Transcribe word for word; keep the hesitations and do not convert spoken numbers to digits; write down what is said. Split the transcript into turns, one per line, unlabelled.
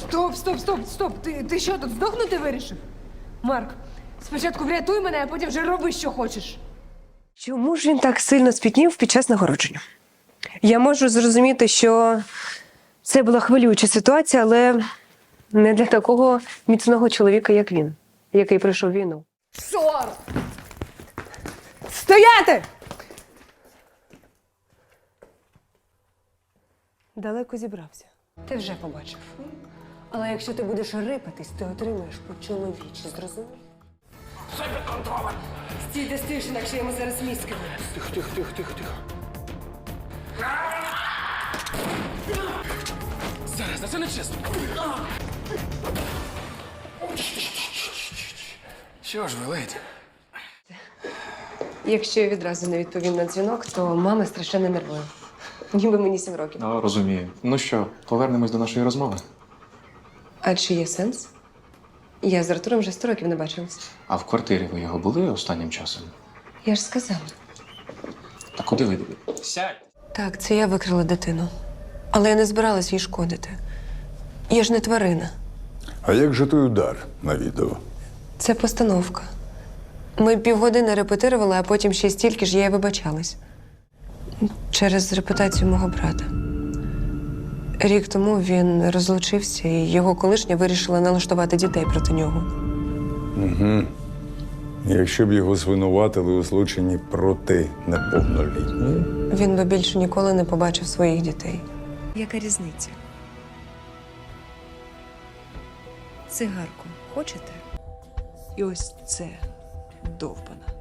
Стоп, стоп, стоп, стоп. Ти, ти що, тут здохнути вирішив? Марк, спочатку врятуй мене, а потім вже роби, що хочеш.
Чому ж він так сильно спітнів під час нагородження? Я можу зрозуміти, що це була хвилююча ситуація, але не для такого міцного чоловіка, як він, який пройшов війну.
Сор! Стояти!
Далеко зібрався. Ти вже побачив. Але якщо ти будеш рипатись, ти отримаєш по чоловічі, зрозумів?
Стій, де стоїш, інакше я йому зараз мізки.
Тихо, тихо, тихо, тихо, тихо. Зараз, це не чесно. Що ж ви, леді?
Якщо я відразу не відповім на дзвінок, то мама страшенно нервує. Ніби мені сім років.
Ну, розумію. Ну що, повернемось до нашої розмови.
А чи є сенс? Я з Артуром вже сто років не бачилась.
А в квартирі ви його були останнім часом?
Я ж сказала.
Та куди ви? Сядь!
Так, це я викрила дитину. Але я не збиралась їй шкодити. Я ж не тварина.
А як же той удар на відео?
Це постановка. Ми півгодини репетирували, а потім ще стільки ж я й вибачалась. Через репутацію мого брата. Рік тому він розлучився, і його колишня вирішила налаштувати дітей проти нього.
Якщо б його звинуватили у злочині проти неповнолітньої?
Він би більше ніколи не побачив своїх дітей.
Яка різниця? Цигарку хочете? І ось це довбана.